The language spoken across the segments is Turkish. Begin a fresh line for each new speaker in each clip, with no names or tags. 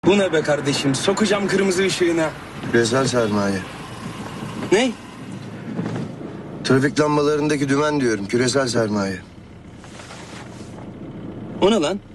Bu ne be kardeşim? Sokacağım kırmızı ışığına.
Küresel sermaye.
Ne?
Trafik lambalarındaki dümen diyorum. Küresel sermaye.
O ne lan?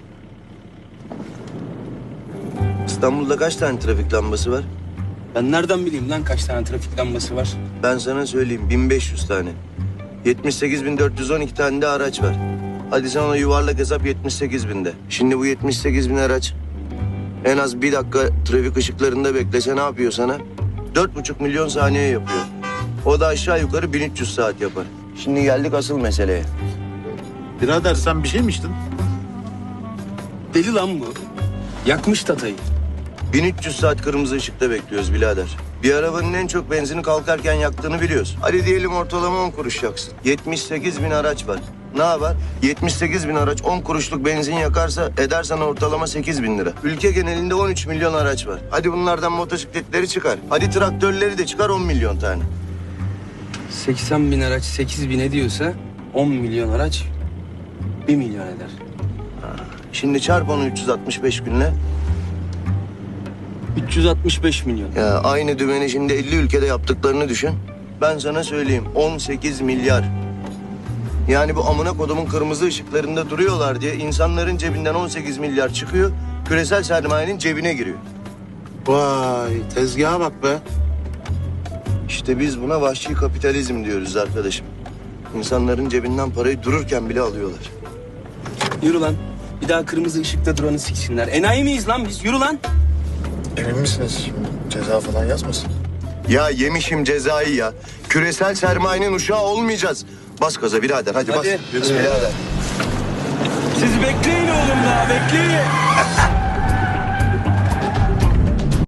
İstanbul'da kaç tane trafik lambası var?
Ben nereden bileyim lan kaç tane trafik lambası var?
Ben sana söyleyeyim 1500 tane. 78.412 tane de araç var. Hadi sen ona yuvarlak hesap 78.000'de. Şimdi bu 78.000 araç en az bir dakika trafik ışıklarında beklese ne yapıyor sana? 4,5 milyon saniye yapıyor. O da aşağı yukarı 1300 saat yapar. Şimdi geldik asıl meseleye.
Birader sen bir şey mi içtin?
Deli lan bu. Yakmış tatayı.
1300 saat kırmızı ışıkta bekliyoruz birader. Bir arabanın en çok benzini kalkarken yaktığını biliyoruz. Hadi diyelim ortalama 10 kuruş yaksın. 78.000 araç var. Ne yapar? 78.000 araç 10 kuruşluk benzin yakarsa eder sana ortalama 8.000 lira. Ülke genelinde 13 milyon araç var. Hadi bunlardan motosikletleri çıkar. Hadi traktörleri de çıkar 10 milyon tane.
80 bin araç 8 bin ediyorsa 10 milyon araç 1 milyon eder.
Şimdi çarp onu 365 günle.
365 milyon.
Ya aynı dümeni şimdi 50 ülkede yaptıklarını düşün. Ben sana söyleyeyim 18 milyar. Yani bu amına kodumun kırmızı ışıklarında duruyorlar diye insanların cebinden 18 milyar çıkıyor. Küresel sermayenin cebine giriyor.
Vay tezgaha bak be.
İşte biz buna vahşi kapitalizm diyoruz arkadaşım. İnsanların cebinden parayı dururken bile alıyorlar.
Yürü lan. Bir daha kırmızı ışıkta duranı siksinler. Enayi miyiz lan biz? Yürü lan.
Emin misiniz? Şimdi ceza falan yazmasın?
Ya yemişim cezayı ya. Küresel sermayenin uşağı olmayacağız. Bas gaza birader hadi,
Hadi.
bas. Birader.
Siz bekleyin oğlum daha bekleyin.